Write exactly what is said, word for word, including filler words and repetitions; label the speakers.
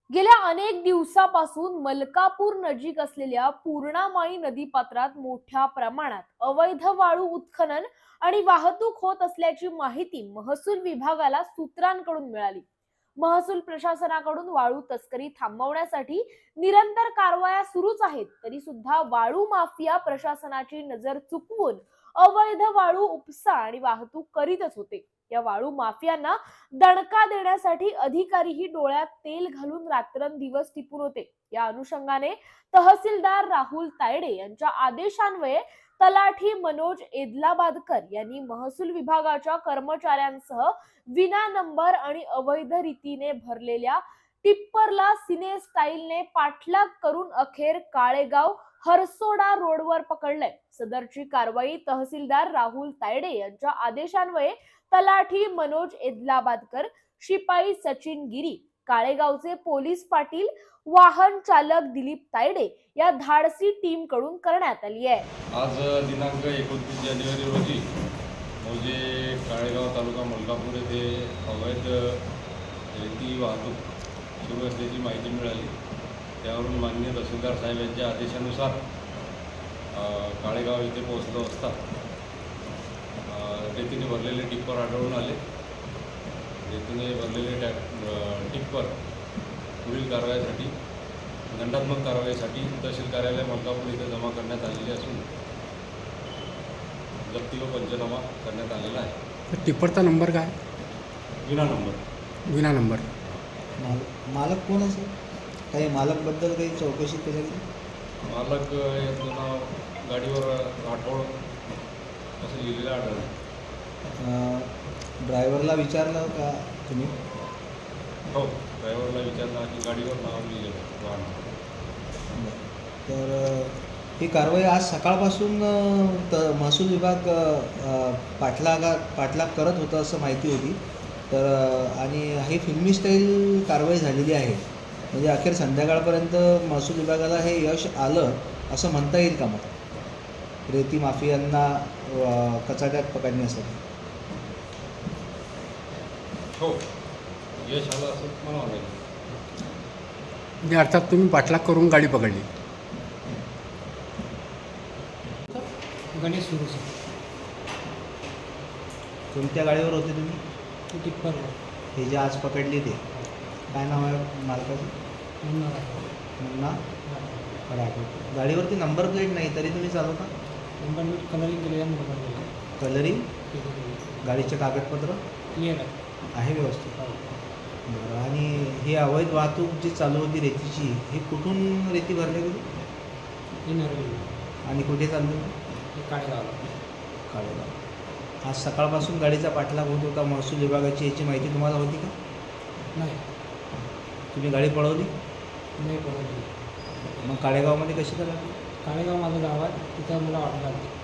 Speaker 1: गेल्या अनेक दिवसापासून मलकापूर नजीक असलेल्या पूर्णामाई नदीपात्रात मोठ्या प्रमाणात अवैध वाळू उत्खनन आणि वाहतूक होत असल्याची माहिती महसूल विभागाला सूत्रांकडून मिळाली। महसूल प्रशासनाकडून वाळू तस्करी थांबवण्यासाठी निरंतर कारवाया सुरूच आहेत, तरी सुद्धा वाळू माफिया प्रशासनाची नजर चुकवून अवैध वाळू उपसा आणि वाहतूक करीतच होते। या वाळू माफियांना दणका देण्यासाठी अधिकारीही डोळ्यात तेल घालून रात्रंदिवस टिपून होते। या अनुषंगाने तहसीलदार राहुल तायडे यांच्या आदेशान्वये तलाठी मनोज एदलाबादकर यांनी महसूल विभागाच्या कर्मचाऱ्यांसह विना नंबर आणि अवैध रीतीने भरलेल्या टिप्परला सिने स्टाईलने पाठलाग करून अखेर काळेगाव हरसोडा रोडवर पकडलंय। सदरची कारवाई तहसीलदार राहुल तायडे यांच्या आदेशान्वये तलाठी मनोज एदलाबादकर, शिपाई सचिन गिरी, काळेगावचे पोलीस पाटील, वाहन चालक दिलीप तायडे या धाडसी टीम कडून करण्यात आली आहे।
Speaker 2: आज दिनांक एकोणतीस जानेवारी रोजी मौजे काळेगाव तालुका मलकापूर येथे अवैध रेती वाहतूक सुरू असल्याची माहिती मिळाली। त्यावरून माननीय तहसीलदार साहेब यांच्या आदेशानुसार काळेगाव येथे पोहोचलो असता रेतीने भरलेले टिप्पर आढळून आले। रेतीने भरलेले टॅ टिप्पर पुढील कारवाईसाठी दंडात्मक कारवाईसाठी तहसील कार्यालय मलकापूर येथे जमा करण्यात आलेले असून जप्ती व पंचनामा करण्यात आलेला आहे।
Speaker 3: टिप्परचा नंबर काय?
Speaker 2: विना नंबर
Speaker 3: विना नंबर
Speaker 4: माल मालक कोण असेल? काही मालकबद्दल काही चौकशी केली?
Speaker 2: मालक याचं नाव गाडीवर राठोड असं लिहिलेलं आढळलं।
Speaker 4: ड्रायव्हरला विचारलं का तुम्ही?
Speaker 2: हो, ड्रायव्हरला विचारलं की गाडीवर नाव लिहिलेलं वाहन।
Speaker 4: तर ही कारवाई आज सकाळपासून त महसूल विभाग पाठलागा पाठलाग करत होता असं माहिती होती। तर आणि ही फिल्मी स्टाईल कारवाई झालेली आहे, म्हणजे अखेर संध्याकाळपर्यंत महसूल विभागाला हे यश आलं असं म्हणता येईल का? मग रेती माफियांना कचाट्यात पकडण्यासाठी
Speaker 2: हो, यश आलं असं म्हणावं लागेल।
Speaker 3: म्हणजे अर्थात तुम्ही पाठलाग करून गाडी पकडली?
Speaker 5: गणेश सुरू सर।
Speaker 4: कोणत्या गाडीवर होते तुम्ही?
Speaker 5: टिप्परवर।
Speaker 4: हे जे आज पकडले ते काय नाव आहे मालकाचं?
Speaker 5: मुन्ना
Speaker 4: मुन्ना राठोड। गाडीवरती नंबर प्लेट नाही तरी तुम्ही चालवता?
Speaker 5: नंबर प्लेट कलरिंग केलेल्या नंबर
Speaker 4: कलरिंग? गाडीचे कागदपत्र
Speaker 5: क्लिअर आहे
Speaker 4: आहे व्यवस्थित? बरं, आणि ही अवैध वाहतूक जी चालू होती रेतीची, ही कुठून रेती भरली गेली
Speaker 5: ही नरवी
Speaker 4: आणि कुठे चालली होती?
Speaker 5: हे काळेगावला
Speaker 4: काळेगाव। आज सकाळपासून गाडीचा पाठलाग होत होता महसूल विभागाची, याची माहिती तुम्हाला होती का?
Speaker 5: नाही,
Speaker 4: तुम्ही गाडी पळवली?
Speaker 5: नाही पडवली।
Speaker 4: मग काळेगावमध्ये कशी काय लागली?
Speaker 5: काळेगाव माझं गाव आहे, तिथं मला ऑर्डर आली।